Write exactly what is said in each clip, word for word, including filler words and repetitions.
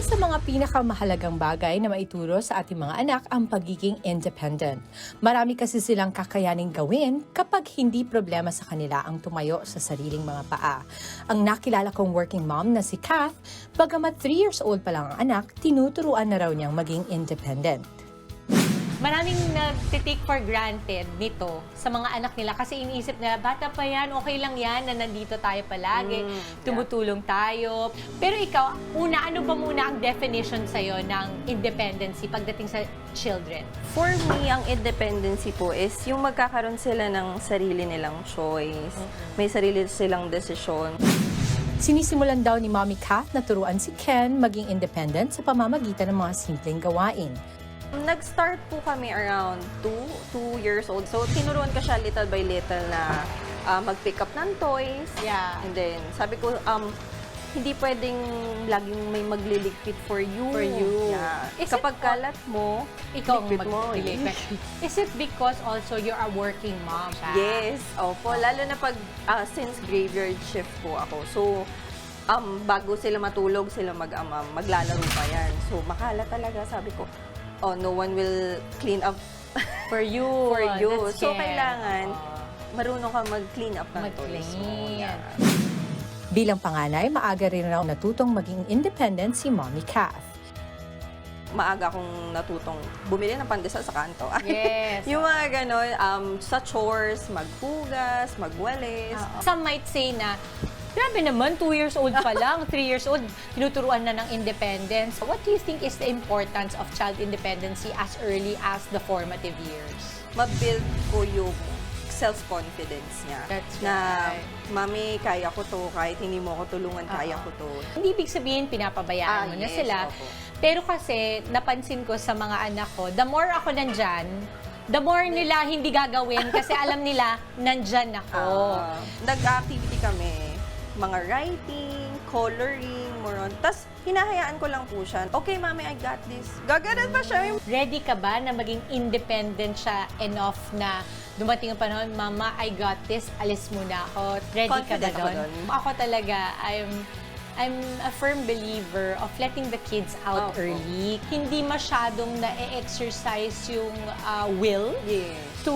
sa mga pinakamahalagang bagay na maituro sa ating mga anak ang pagiging independent. Marami kasi silang kakayaning gawin kapag hindi problema sa kanila ang tumayo sa sariling mga paa. Ang nakilala kong working mom na si Kath, bagamat three years old pa lang ang anak, tinuturuan na raw niyang maging independent. Maraming nag-take for granted nito sa mga anak nila kasi iniisip nila, bata pa yan, okay lang yan na nandito tayo palagi, Mm, yeah. tumutulong tayo. Pero ikaw, una, ano ba muna ang definition sa'yo ng independency pagdating sa children? For me, ang independency po is yung magkakaroon sila ng sarili nilang choice. May sarili silang desisyon. Sinisimulan daw ni Mommy Kath na turuan si Ken maging independent sa pamamagitan ng mga simpleng gawain. Nag-start po kami around two, two years old. So, tinuruan ko siya little by little na uh, mag-pick up ng toys. Yeah. And then, sabi ko, um, hindi pwedeng laging may magliligpit for you. For you. Yeah. Is Kapag it- kalat mo, Ikaw ang ligpit mo. mag-deliver. Is it because also you're a working mom? Ka? Yes, opo. Lalo na pag, ah, since graveyard shift po ako. So, um, bago sila matulog, sila mag-ama, maglalaro pa yan. So, makala talaga, sabi ko, oh, no one will clean up For you. for you. That's So, Ken. kailangan, Oo. marunong ka mag-clean up ng toys mo. Mag-clean. Yeah. Bilang panganay, maaga rin raw natutong maging independent si Mommy Kath. Maaga akong natutong bumili ng pandesal sa kanto. Yes. Yung mga ganon, um, sa chores, maghugas, magwalis. Some might say na, grabe naman, two years old pa lang, three years old, tinuturuan na ng independence. What do you think is the importance of child independency as early as the formative years? Ma-build ko yung self-confidence niya. That's na, right. Mami, kaya ko to. Kahit hindi mo ako tulungan, kaya ko to. Hindi ibig sabihin pinapabayaan Ah, mo na yes, sila. opo. Pero kasi, napansin ko sa mga anak ko, the more ako nandyan, the more nila hindi gagawin kasi alam nila, nandyan ako. Ah, nag-activity kami. Mga writing, coloring, more on. Tapos, hinahayaan ko lang po siya. Okay, Mami, I got this. Gaganan pa siya. Ready ka ba na maging independent siya enough na dumating ang panahon, Mama, I got this, alis muna ako. Ready Confident ka ako ba dun. doon? Ako talaga, I'm I'm a firm believer of letting the kids out Opo. early. Hindi masyadong na-exercise yung uh, will Yes. to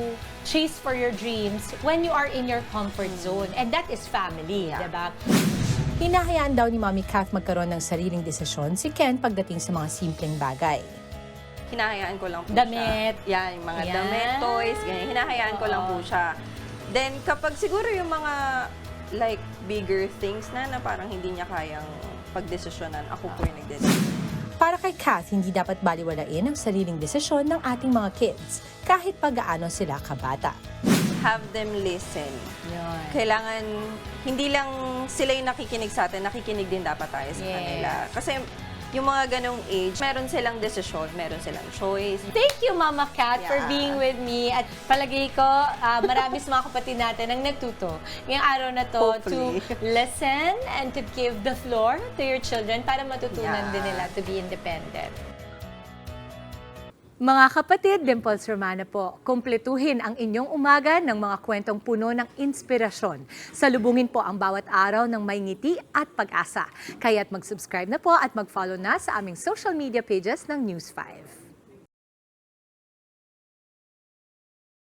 chase for your dreams when you are in your comfort zone. And that is family, Yeah. diba? Hinahayaan daw ni Mommy Kath magkaroon ng sariling desisyon si Ken pagdating sa mga simpleng bagay. Hinahayaan ko lang po Damit. siya. Yan, yung mga Yan. damit, toys, ganyan. Hinahayaan ko lang po Oo. siya. Then, kapag siguro yung mga like bigger things na na parang hindi niya kayang pagdesisyonan, ako po yung nagdesisyon. Para kay Kath, hindi dapat baliwalain ang sariling desisyon ng ating mga kids kahit pa gaano sila kabata. Have them listen. Yun. Kailangan, hindi lang sila yung nakikinig sa atin, nakikinig din dapat tayo sa Yes. kanila. Kasi yung mga ganong age, meron silang desisyon, meron silang choice. Thank you, Mama Kat, for Yeah. being with me. At palagay ko, uh, marami sa mga kapatid natin ang nagtuto ngayong araw na to Hopefully. to listen and to give the floor to your children para matutunan Yeah. din nila to be independent. Mga kapatid, Dimples Romana po, kumpletuhin ang inyong umaga ng mga kwentong puno ng inspirasyon. Salubungin po ang bawat araw ng may ngiti at pag-asa. Kaya't mag-subscribe na po at mag-follow na sa aming social media pages ng News five.